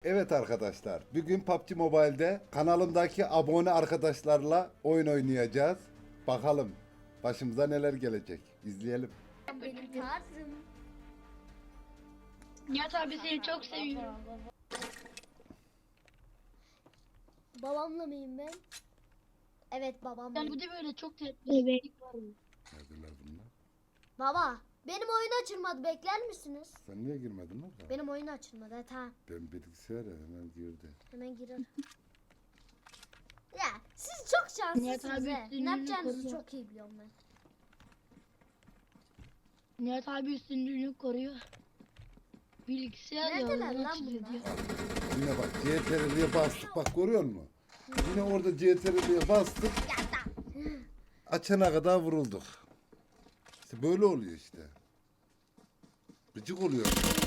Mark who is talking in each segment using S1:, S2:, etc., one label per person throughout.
S1: Evet arkadaşlar, bugün PUBG Mobile'de kanalımdaki abone arkadaşlarla oyun oynayacağız. Bakalım başımıza neler gelecek. İzleyelim.
S2: Benim tarzım.
S3: Nihat abi seni çok seviyorum.
S2: Babamla mıyım ben? Evet babamla.
S3: Yani bu da böyle çok bebeklik var.
S1: Neredeler bunlar?
S2: Baba benim oyun açılmadı, bekler misiniz?
S1: Sen niye girmedin lan?
S2: Benim oyun açılmadı. Evet, tamam.
S1: Ben bilgisayara hemen girdi.
S2: Hemen girer. Ya siz çok
S3: Nihat
S2: şanslısınız
S3: abi
S2: he.
S3: üstünlüğünü
S2: Ne yapacağınızı
S3: koruyor.
S2: çok iyi biliyorum ben.
S3: Nihat abi üstünlüğünü koruyor. Bilgisayar ya
S2: Neredeler
S3: oradan
S2: lan
S3: açılıyor
S2: bunlar?
S3: diyor.
S1: Yine bak CTRL'ye bastık, bak görüyor musun? Yine orada CTRL'ye bastık,
S2: Ya da.
S1: açana kadar vurulduk. İşte böyle oluyor işte. Gıcık oluyor.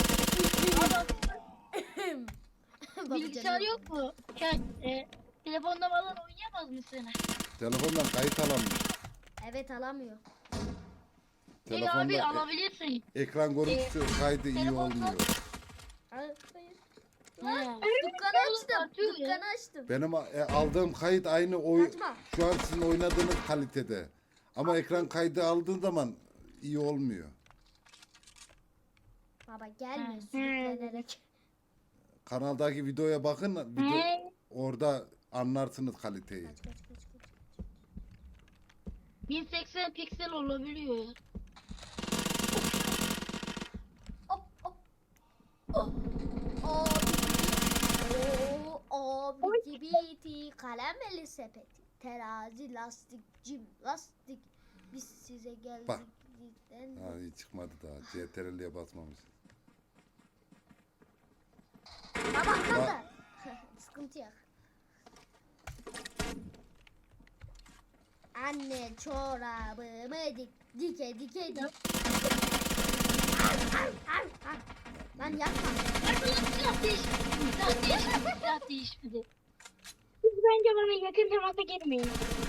S3: Bilgisayar
S2: Babacığım.
S3: yok mu? Telefonda falan oynayamaz mısın?
S1: Telefondan kayıt alamıyor.
S2: Evet, alamıyor.
S3: Değil abi alabilirsin.
S1: Ekran görüntüsü kaydı iyi
S3: telefonda-
S1: olmuyor.
S2: Hayır.
S3: Ha.
S2: Dükkanı açtım.
S3: Atıyor ya.
S2: Dükkanı açtım.
S1: Benim aldığım kayıt aynı oy
S2: Kaçma.
S1: şu an sizin oynadığınız kalitede. Ama ekran kaydı aldığın zaman iyi olmuyor.
S2: Baba gelme
S3: Ha.
S2: sürüklenerek.
S1: Kanaldaki videoya bakın, orada anlarsınız kaliteyi.
S2: Kaç kaç kaç kaç.
S3: 1080 piksel olabiliyor ya.
S2: Hop hop. Oh. Abiti biti kalemeli sepeti. Terazi lastik cim lastik. Biz size geldik.
S1: Bak.
S2: bizden.
S1: Ha, iyi çıkmadı daha. CTRL'ye basmamış.
S2: Baba kaldı. Sıkıntı yok. Anne çorabımı dike dik. Lan yapma.
S3: Silah değişmedi. Silah değişmedi. Siz bence bana yakın temasa girmeyin.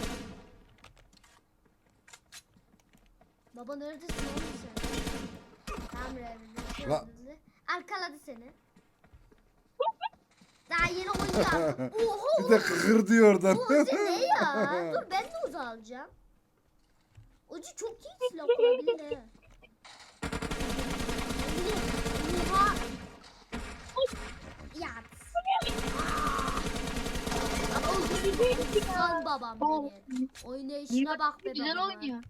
S2: Baba neredesin oğlum sen? Tamam Revli.
S1: La-
S2: Arkaladı seni. Daha yeni oyun aldım. Oho.
S1: Bir de kıkır diyor oradan.
S2: Bu Uzi ne ya? Dur ben de Uzi alacağım. Uzi çok iyi silah olabilir he. Oha. Yat. Ama Uzi lan babam benim. Oynayışına bak be
S3: Güzel
S2: baba.
S3: oynuyor.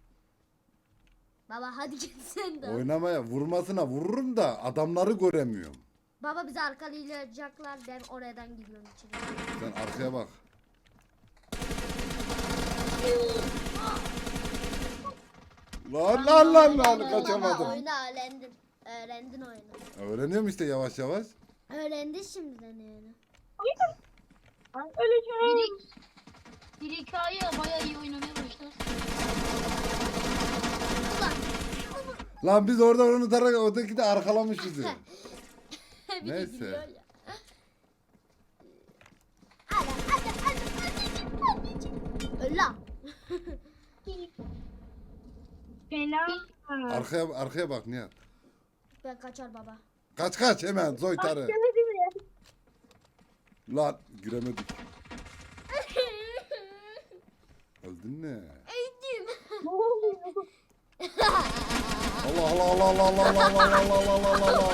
S2: Baba hadi git sen de.
S1: Oynamaya vurmasına vururum da adamları göremiyorum.
S2: Baba bizi arkalayacaklar. Ben oradan gidiyorum içeri.
S1: Sen arkaya bak. Lan kaçamadım.
S2: Baba oyunu öğrendin. Öğrendin oyunu.
S1: Öğreniyorum işte yavaş yavaş.
S2: Öğrendi şimdiden yani.
S3: Öleceğim. Bir hikaye bayağı iyi oynamaya başlar.
S1: Lan biz orada onu tararak öteki de arkalamış bizi.
S2: Bir de
S1: Neyse.
S2: gülüyor ya. Hadi. Öl lan.
S3: Fena.
S1: Arkaya bak Nihat.
S2: Ben kaçar baba.
S1: Kaç hemen soytarı. Lan giremedik. Öldün mü?
S2: Öldüm.
S1: Allah Allah Allah Allah Allah Allah Allah Allah Allah Allah.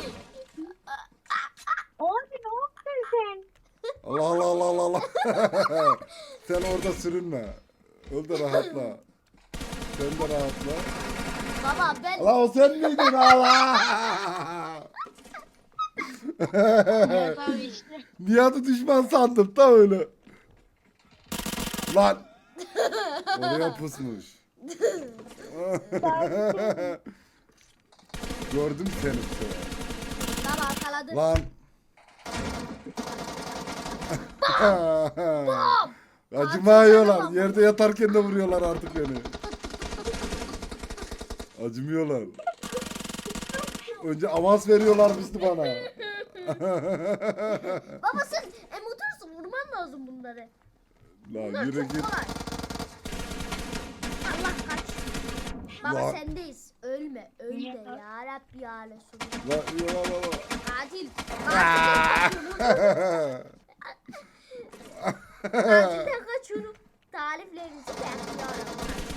S3: Abi ne yaptın sen?
S1: Allah Allah Allah Allah Allah. Sen orada sürünme. Öl de rahatla. Sen de rahatla.
S2: Baba ben
S1: Allah o sen miydin Allah?
S3: Evet abi işte.
S1: Nihat'ı düşman sandım da öyle. Lan. Oraya pusmuş. Gördüm seni.
S2: baba arkaladı.
S1: Lan. Acımıyorlar. Yerde yatarken de vuruyorlar artık beni. Acımıyorlar. Önce avans veriyorlarmıştı bana.
S2: Baba sen emotursun, vurman lazım bunları.
S1: La
S2: Bunlar
S1: yürü
S2: çok
S1: git.
S2: kolay. Allah kaç. Baba
S1: La-
S2: sendeyiz. Ölme ya Rabbi ya Resulallah.
S1: La la la la.
S2: Katil. Katil. Acilden kaçıyorum. Tariflerinizi bekliyorum.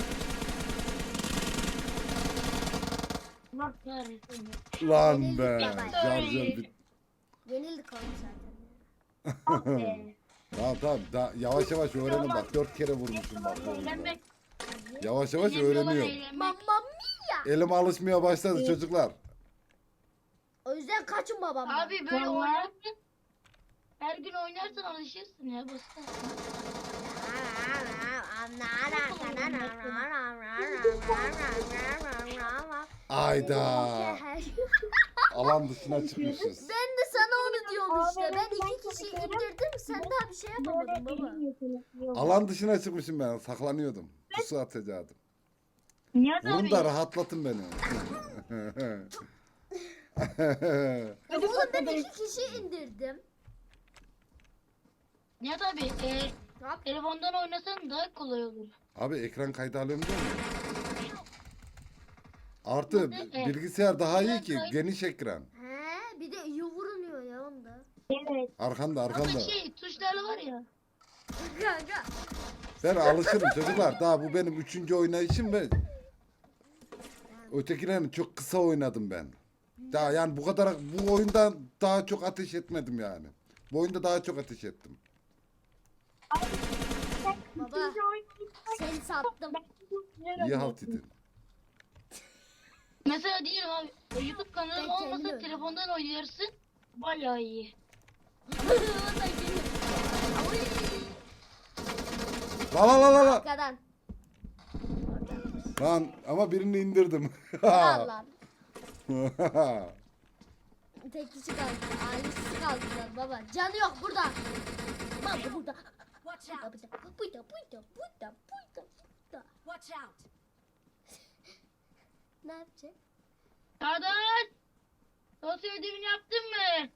S3: Allah kahretsin.
S1: Lan be.
S2: Yenildik baba.
S1: Şarjör bit.
S2: Yenildik oğlum zaten.
S3: Ah be.
S1: Tamam tamam. Yavaş yavaş öğrenin bak. 4 kere vurmuşum bak bu oyunda.
S3: Eğlenmek.
S1: Yavaş yavaş
S3: Önemli olan
S1: öğreniyorum.
S3: eğlenmek.
S2: Mamma mia.
S1: Elim alışmaya başladı çocuklar.
S2: O yüzden kaçın babamdan.
S3: Abi böyle
S4: Vallahi.
S3: oynarsan her gün oynarsan alışırsın ya basit.
S1: Ayda. Alan dışına çıkmışız.
S2: Ben de sana onu diyorum işte.
S4: Abi,
S2: Ben
S4: ben
S2: iki kişiyi
S4: kaçıyorum.
S2: indirdim. Sen daha bir şey yapamadın baba.
S1: Alan dışına çıkmışım ben. Saklanıyordum. Pusu atacaktım.
S3: Nihat
S1: Vurun
S3: abi.
S1: da rahatlatın beni.
S2: Ya oğlum ben iki kişi indirdim.
S3: Nihat abi
S2: Ne yap?
S3: telefondan oynasan daha kolay olur.
S1: Abi ekran kaydı alıyorum değil mi? Artı
S3: Evet.
S1: bilgisayar daha iyi
S3: Ekran
S1: ki.
S3: kaydı.
S1: Geniş ekran.
S2: He, bir de iyi vurunuyor ya onda.
S4: Evet.
S1: Arkanda
S3: Ama
S1: arkanda.
S3: tuşlarla var ya.
S2: Kanka.
S1: Ben alışırım çocuklar. Daha bu benim 3. oynayışım ve ötekilerini çok kısa oynadım ben. Daha yani bu kadar bu oyundan daha çok ateş etmedim yani. Bu oyunda daha çok ateş ettim.
S2: Baba seni sattım.
S1: İyi halt edin.
S3: Mesela diyelim abi YouTube kanalım
S2: Ben kendim
S3: olmasa
S2: öyle.
S3: telefondan oynarsın. Bayağı iyi.
S2: O da geliyor. Ay,
S1: La la la la la.
S2: arkadan.
S1: Lan ama birini indirdim.
S2: Al lan. Tek kişi kaldı. Ailesi kaldılar baba. Canı yok burada. Baba burada.
S5: Watch
S2: Burada
S5: out!
S2: burada. Burada.
S5: Watch out!
S2: Ne yapacak?
S3: Çağdaş! Dosya ödevini yaptın mı?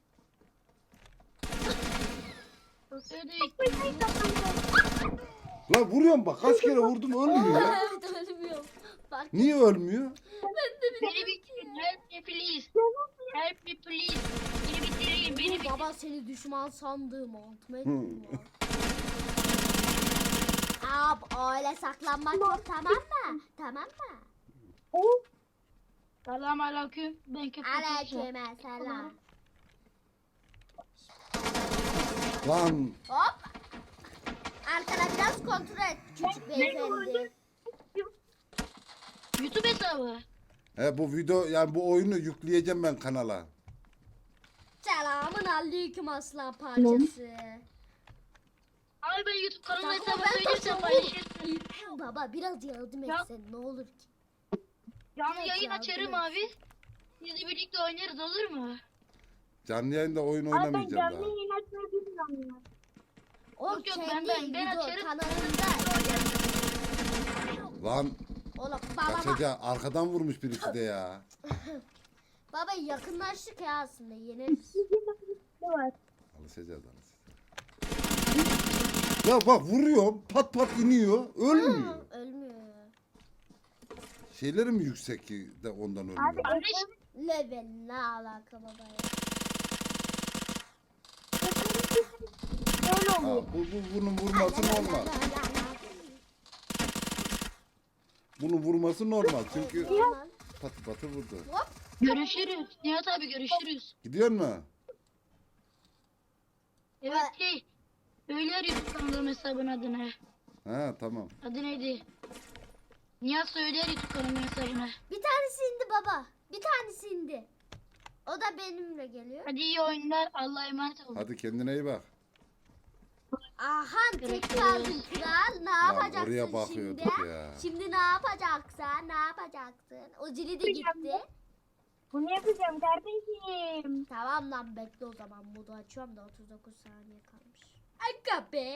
S3: Dosya ödevi.
S1: La vuruyorum bak kaç kere vurdum ölmüyor.
S2: Evet ölmüyorum. Bak
S1: Niye ölmüyor?
S3: Beni bitirin. Help me please. Help me please. Beni bitirin. Beni bitirin.
S2: baba seni düşman sandığım altıma ettim ya. Ab öyle saklanmak yok tamam mı? Tamam mı?
S3: Selam aleyküm. Ben köpek olacağım.
S2: Aleyküm selam.
S1: Lan
S2: Hop. Arkana biraz kontrol et küçük beyefendi.
S3: YouTube hesabı.
S1: bu video yani bu oyunu yükleyeceğim ben kanala.
S2: Selamın aleyküm aslan parçası.
S3: Abi ben YouTube kanalı
S2: Tamam,
S3: hesabı
S2: ben
S3: söyleyeceğim
S2: taşıyorum.
S3: paylaşırsın.
S2: Baba biraz yardım
S3: Ya.
S2: etsen ne olur ki?
S3: Canlı
S2: Evet
S3: yayın
S2: ya,
S3: açarım
S2: evet.
S3: abi. Biz de birlikte oynarız olur mu?
S1: Canlı yayında oyun
S4: Abi ben
S1: oynamayacağım
S4: canlı
S1: daha.
S4: yayın açmayı bilmiyorum ya.
S2: O
S3: Yok, yok,
S2: kendi
S3: ben
S2: video
S3: açarım.
S2: kanalında.
S1: Lan
S2: Oğlum baba
S1: kaçacak arkadan vurmuş birisi de ya.
S2: baba yakınlaştık ya aslında yeneriz.
S4: Ne var?
S1: Alışacağız. Ya bak vuruyorum pat pat iniyor ölmüyor.
S2: Ölmüyor.
S1: Şeyleri mi yüksek ki de ondan ölmüyor?
S3: Kardeş
S2: Level ne alaka baba ya?
S4: Böyle
S1: Ha,
S4: oluyor.
S1: bunun vurması normal. Bunun vurması normal çünkü
S2: Normal.
S1: patı patı vurdu.
S2: Hop.
S3: görüşürüz. Nihat abi görüşürüz.
S1: Gidiyor mu?
S3: Evet şey. Söyler YouTube kanalım hesabın adını.
S1: Ha tamam.
S3: Adı neydi? Nihat söyler YouTube kanalım hesabına.
S2: Bir tanesi indi baba. Bir tanesi indi. O da benimle geliyor.
S3: Hadi iyi oyunlar. Allah'a emanet olun.
S1: Hadi kendine iyi bak.
S2: Aha tek
S3: Görüşürüz.
S2: kaldın kral. Ne
S1: Lan
S2: yapacaksın
S1: oraya
S2: şimdi?
S1: bakıyorduk ya.
S2: Şimdi ne yapacaksın? Ne yapacaksın? O zili de gitti.
S4: Bunu yapacağım kardeşim.
S2: Tamam lan bekle o zaman. Modu açıyorum da 39 saniye kalmış. Aga be.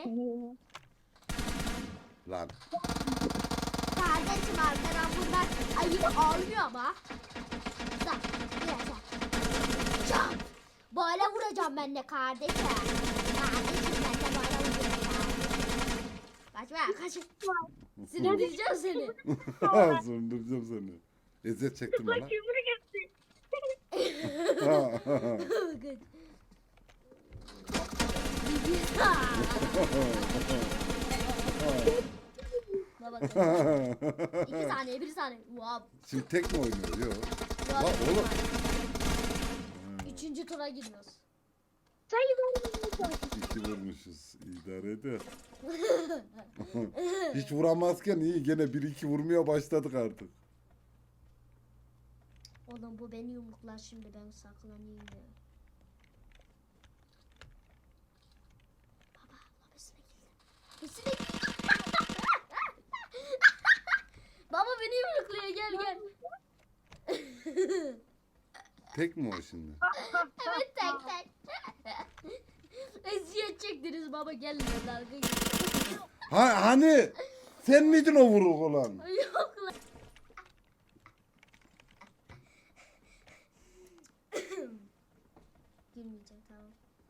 S1: Lan
S2: Kardeşim arkadan bunlar ayıp olmuyor ama. Bak biraz bak. Çak. Böyle vuracağım ben de kardeşim. Kardeşim ben de böyle vuracağım. Kaçma kaç. Sinirleyeceğim seni.
S1: söndüreceğim seni. Eziyet çektim bana.
S4: Yumruk yaptı.
S2: Good. Baba 2 saniye 1 saniye. Wow.
S1: Şimdi tek mi oynuyor? Yok.
S2: Wow.
S1: La oğlum.
S2: 3. tura gidiyoruz.
S4: Sayı vermiyorum.
S1: 2 vurmuşuz. İdare eder. Hiç vuramazken iyi. Gene 1-2 vurmaya başladık artık.
S2: Oğlum bu beni yumruklar şimdi, ben saklanayım ya. Baba lobisine girdim. Lobisine girdim. Baba beni yumrukluyor, gel gel.
S1: Tek mi o şimdi?
S2: Evet tek tek. Eziyet çektiniz baba, gel ya dalga geç.
S1: Hani sen miydin o vuruk olan?
S2: Yok lan. Gülmeyeceğim, tamam.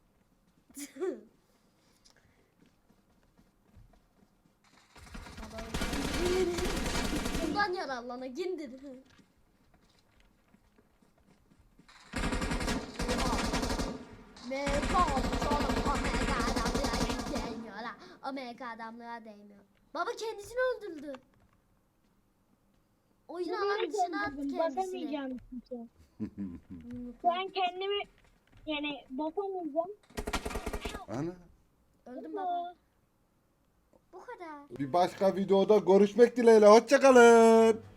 S2: Baba bundan yararlana gindir. Mega adamlığa değmiyor la. O mega adamlığa değmiyor. Baba kendisini öldürdü. Oyun alan dışına attı kendisini.
S4: Basamayacağım kimse. Ben kendimi yani basamayacağım.
S1: Ana.
S2: Öldüm baba. Bu kadar.
S1: Bir başka videoda görüşmek dileğiyle. Hoşça kalın.